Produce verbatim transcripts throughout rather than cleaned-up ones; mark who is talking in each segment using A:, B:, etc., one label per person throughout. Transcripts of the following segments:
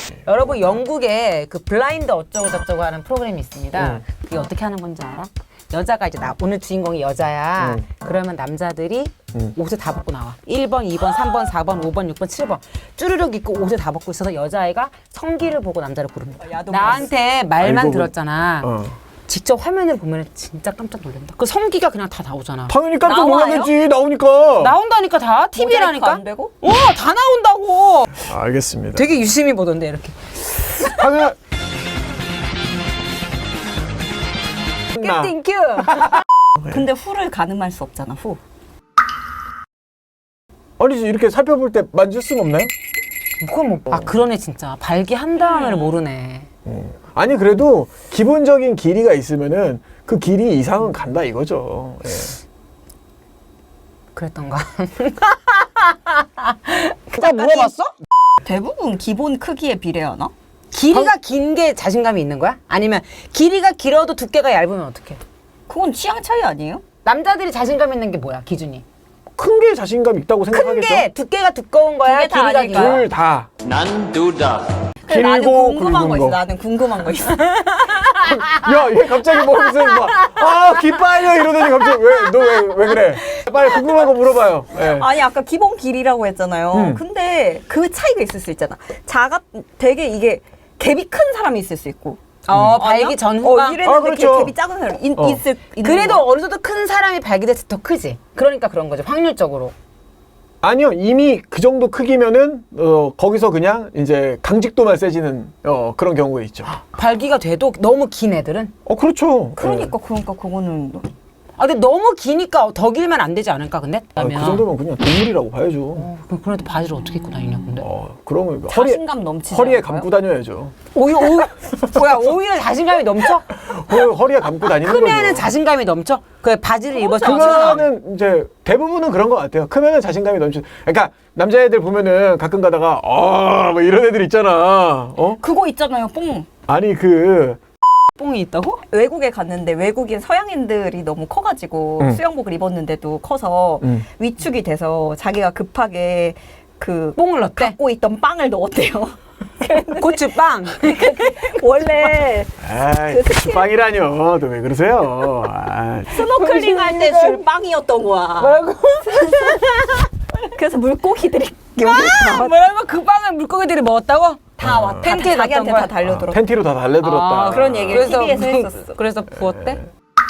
A: 여러분 영국에 그 블라인드 어쩌고 저쩌고 하는 프로그램이 있습니다.
B: 응.
A: 그게 어떻게 하는 건지 알아? 여자가 이제 나 오늘 주인공이 여자야.
B: 응.
A: 그러면 남자들이
B: 응.
A: 옷을 다 벗고 나와. 일 번, 이 번, 삼 번, 사 번, 오 번, 육 번, 칠 번 쭈르륵 입고 옷을 다 벗고 있어서 여자애가 성기를 보고 남자를 고릅니다. 나한테 말만
B: 알고
A: 들었잖아.
B: 어.
A: 직접 화면을 보면 진짜 깜짝 놀란다. 그 성기가 그냥 다 나오잖아.
B: 당연히 깜짝
C: 나와요?
B: 놀라겠지. 나오니까.
A: 나온다니까 다
C: 모자이크
A: 티비라니까.
C: 안 되고?
A: 어, 다 나온다고.
B: 알겠습니다.
A: 되게 유심히 보던데 이렇게.
B: 당연.
A: 땡큐.
C: 근데 후를 가늠할 수 없잖아, 후.
B: 아니지 이렇게 살펴볼 때 만질 수는 없나요?
A: 그건 뭐. 아 그러네 진짜. 발기한 다음을 모르네.
B: 어. 아니 그래도 기본적인 길이가 있으면은 그 길이 이상은 간다 이거죠. 예.
A: 그랬던가.
C: 나 물어봤어? 대부분 기본 크기에 비례하나?
A: 길이가 긴 게 자신감이 있는 거야? 아니면 길이가 길어도 두께가 얇으면 어떡해?
C: 그건 취향 차이 아니에요?
A: 남자들이 자신감 있는 게 뭐야 기준이?
B: 큰 게 자신감 있다고
A: 큰
B: 생각하겠죠?
A: 게 두께가 두꺼운 거야?
C: 두개 다
A: 길이가
C: 아닐까요?
A: 길어?
B: 둘 다.
D: 난 둘 다.
C: 근데 나는
B: 길고
C: 궁금한 거
B: 굵은
C: 있어.
B: 거.
C: 나는 궁금한 거 있어.
B: 야, 얘 갑자기 뭐 무슨 막, 아, 기빨려 이러더니 갑자기 왜, 너 왜, 왜 그래? 빨리 궁금한 거 물어봐요. 예.
C: 아니 아까 기본 길이라고 했잖아요.
B: 음.
C: 근데 그 차이가 있을 수 있잖아. 작아 되게 이게 갭이 큰 사람이 있을 수 있고.
A: 어,
C: 아니야?
A: 발기 전후가.
C: 어, 이랬는데
B: 아, 그렇죠.
C: 갭이 작은 사람 이,
B: 어.
C: 있을 있는
A: 그래도
C: 거.
A: 어느 정도 큰 사람이 발기돼서 더 크지. 그러니까 그런 거죠. 확률적으로.
B: 아니요, 이미 그 정도 크기면은, 어, 거기서 그냥 이제 강직도만 세지는, 어, 그런 경우가 있죠.
A: 발기가 돼도 너무 긴 애들은?
B: 어, 그렇죠.
C: 그러니까 그러니까 그거는
A: 아 근데 너무 기니까 더 길면 안 되지 않을까 근데?
B: 예. 아, 그 정도면 그냥 동물이라고 봐야죠.
A: 어, 그럼 그런데 바지를 어떻게 입고 다니냐 근데?
B: 어, 그러면 허리에,
C: 자신감 넘치지
B: 허리에
C: 않을까요?
B: 감고 다녀야죠.
A: 오히, 오히, 뭐야 오히려 자신감이 넘쳐?
B: 허, 허리에 감고 다니는 거죠.
A: 크면은 자신감이 넘쳐? 그 바지를 입어서
B: 크면은 이제 대부분은 그런 것 같아요. 크면은 자신감이 넘치. 그러니까 남자애들 보면은 가끔 가다가 어, 뭐 이런 애들 있잖아. 어?
C: 그거 있잖아요. 뽕.
B: 아니 그
A: 뽕이 있다고?
C: 외국에 갔는데 외국인 서양인들이 너무 커가지고
B: 응.
C: 수영복을 입었는데도 커서
B: 응.
C: 위축이 돼서 자기가 급하게 그
A: 뽕을 넣었대?
C: 갖고 있던 빵을 넣었대요.
A: 고추빵.
C: 원래
B: 아이, 그 빵이라뇨. 또 왜 그러세요? 아,
C: 스노클링 할 때 줄 빵이었던 거야.
A: 뭐라고?
C: 그래서 물고기들이 여기
A: 아,
C: 다,
A: 뭐라고? 그 빵을 물고기들이 먹었다고?
C: 다 왔다.
A: 팬티에
C: 자기한테
A: 넣었던
C: 다
A: 거야?
C: 달려들었다.
B: 팬티로 다 달래들었다.
A: 아,
C: 그런 얘기를
A: 그래서
C: 티비에서
A: 부-
C: 했었어.
A: 그래서 부었대?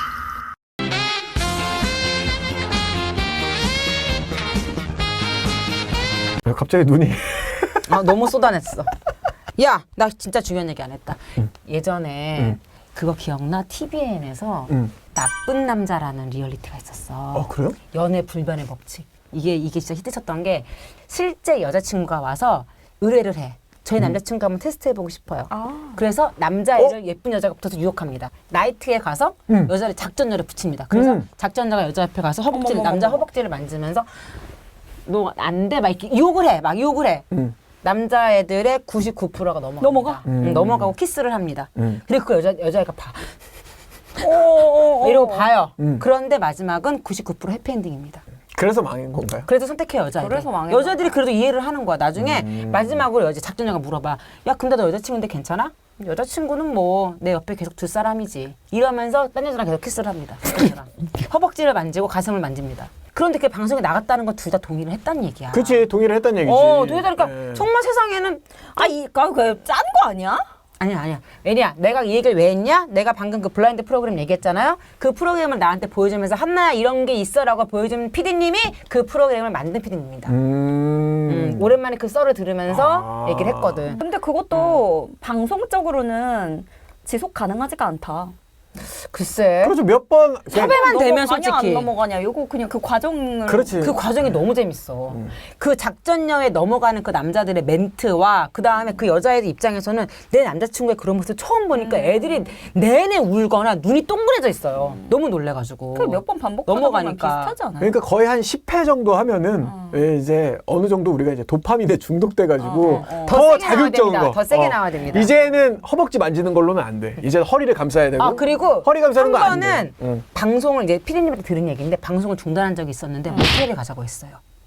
B: 왜 갑자기 눈이
A: 아 너무 쏟아냈어. 야, 나 진짜 중요한 얘기 안 했다. 예전에
B: 응.
A: 그거 기억나? 티비엔에서
B: 응.
A: 나쁜 남자라는 리얼리티가 있었어.
B: 어 그래요?
A: 연애 불변의 법칙. 이게 이게 진짜 히트쳤던 게 실제 여자친구가 와서 의뢰를 해. 저희 남자친구 한번 테스트해보고 싶어요.
C: 아.
A: 그래서 남자애를 예쁜 여자가 붙어서 유혹합니다. 나이트에 가서
B: 음.
A: 여자를 작전녀를 붙입니다. 그래서
B: 음.
A: 작전녀가 여자 옆에 가서 허벅지를
C: 어머머머머.
A: 남자 허벅지를 만지면서 너 안 돼 막 이렇게 유혹을 해. 막 유혹을 해.
B: 응.
A: 남자애들의 구십구 퍼센트가 넘어가.
C: 넘어가?
B: 음.
A: 넘어가고 키스를 합니다.
B: 음.
A: 그리고 그 여자 여자애가 봐.
C: 오,
A: 이러고 봐요.
B: 음.
A: 그런데 마지막은 구십구 퍼센트 해피엔딩입니다.
B: 그래서 망한 건가요?
A: 그래도 선택해 여자애들.
C: 그래서 망했나
A: 여자들이 그래도 이해를 하는 거야. 나중에
B: 음.
A: 마지막으로 여자 작전녀가 물어봐. 야 근데 너 여자친구인데 괜찮아? 여자친구는 뭐 내 옆에 계속 둘 사람이지. 이러면서 딴 여자랑 계속 키스를 합니다. 작전녀랑. 허벅지를 만지고 가슴을 만집니다. 그런데 그게 방송에 나갔다는 건 둘 다 동의를 했다는 얘기야.
B: 그렇지 동의를 했다는 얘기지.
A: 어, 동의하니까
B: 예.
A: 정말 세상에는
C: 아, 이, 그짠 거 아니야?
A: 아니야 아니야. 왜냐? 내가 이 얘기를 왜 했냐? 내가 방금 그 블라인드 프로그램 얘기했잖아요. 그 프로그램을 나한테 보여주면서 한나야 이런 게 있어라고 보여준 피디님이 그 프로그램을 만든 피디님입니다.
B: 음.
A: 음, 오랜만에 그 썰을 들으면서
B: 아.
A: 얘기를 했거든.
C: 근데 그것도 방송적으로는 지속 가능하지가 않다.
A: 글쎄.
B: 그렇죠 몇 번.
A: 섭외만 되면
C: 넘어가냐
A: 솔직히.
C: 안 넘어가냐. 이거 그냥 그 과정을
B: 그렇지.
A: 그 과정이 너무 재밌어. 그 작전녀에 넘어가는 그 남자들의 멘트와 그 다음에 그 여자애들 입장에서는 내 남자친구의 그런 모습 처음 보니까 애들이 내내 울거나 눈이 동그래져 있어요. 너무 놀래가지고.
C: 그 몇 번 반복하다 보면
A: 넘어가니까.
C: 비슷하지 않아요?
B: 그러니까 거의 한 십 회 정도 하면은 예, 이제 어느 정도 우리가 이제 도파민에 중독돼가지고
C: 어, 어, 어.
A: 더
B: 더
A: 세게 나와야
B: 자극적인
A: 됩니다.
B: 거.
A: 더 세게 나와야 됩니다.
B: 이제는 허벅지 만지는 걸로는 안 돼. 이제 허리를 감싸야 되고.
A: 아 그리고
B: 허리 감싸는 거
A: 한
B: 안 돼.
A: 번은
B: 응.
A: 방송을 이제 피디님한테 들은 얘기인데 방송을 중단한 적이 있었는데 모텔에 가자고 했어요.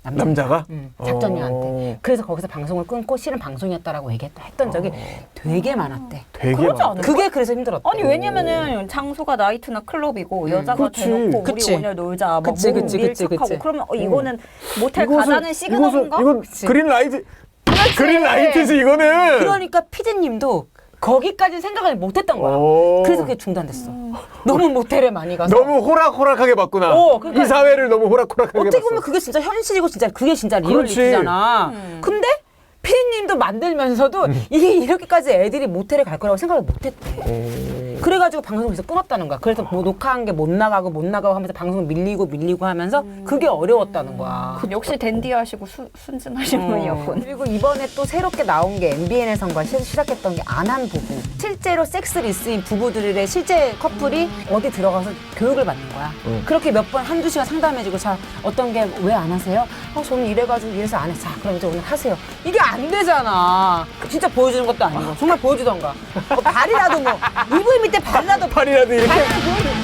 A: 남자가.
B: 남자가?
A: 음, 작전녀한테.
B: 어.
A: 그래서 거기서 방송을 끊고 실은 방송이었다라고 얘기했다 했던 적이 되게 많았대.
B: 되게
C: 그러지
B: 많아.
C: 않아요?
A: 그게 그래서 힘들었대.
C: 아니 왜냐면은 장소가 나이트나 클럽이고 여자가
B: 그치.
C: 대놓고
A: 그치.
C: 우리 오늘 놀자 막
A: 그치,
C: 몸
A: 그치, 그치,
C: 밀착하고
A: 그치.
C: 그러면 어, 이거는 모텔
B: 이것은-
C: 가자는 시그널인가?
B: 이것은, 이건
A: 그치.
B: 그린 라이트. 그린 라이트지 이거는.
A: 그러니까 피디님도 거기까지 생각을 못했던 거야.
B: 오.
A: 그래서 그게 중단됐어. 너무 모텔에 많이 가서.
B: 너무 호락호락하게 봤구나.
A: 어, 그러니까
B: 이 사회를 너무 호락호락하게
A: 어떻게
B: 봤어.
A: 보면 그게 진짜 현실이고 진짜 그게 진짜
B: 그렇지.
A: 리얼리티잖아.
C: 음.
A: 근데 피디님도 만들면서도
B: 음.
A: 이게 이렇게까지 애들이 모텔에 갈 거라고 생각을 못했대.
B: 오.
A: 그래가지고 방송에서 끊었다는 거야. 그래서 뭐 녹화한 게 못 나가고 못 나가고 하면서 방송 밀리고 밀리고 하면서 그게 어려웠다는 거야.
C: 역시 댄디하시고 수, 순진하신
A: 어.
C: 분이었군.
A: 그리고 이번에 또 새롭게 나온 게 엠비엔에선가 시작했던 게 안한 부부. 실제로 섹스를 있은 부부들의 실제 커플이 어디 들어가서 교육을 받는 거야.
B: 음.
A: 그렇게 몇 번 한두 시간 상담해주고 자 어떤 게 왜 안 하세요? 어 저는 이래가지고 이래서 안 해. 자 그럼 이제 오늘 하세요. 이게 안 되잖아. 진짜 보여주는 것도 아니고 정말 보여주던가. 뭐 발이라도 뭐 이불 밑에 발이라도
B: 팔이라도 이렇게.
A: 발이라도 보여주고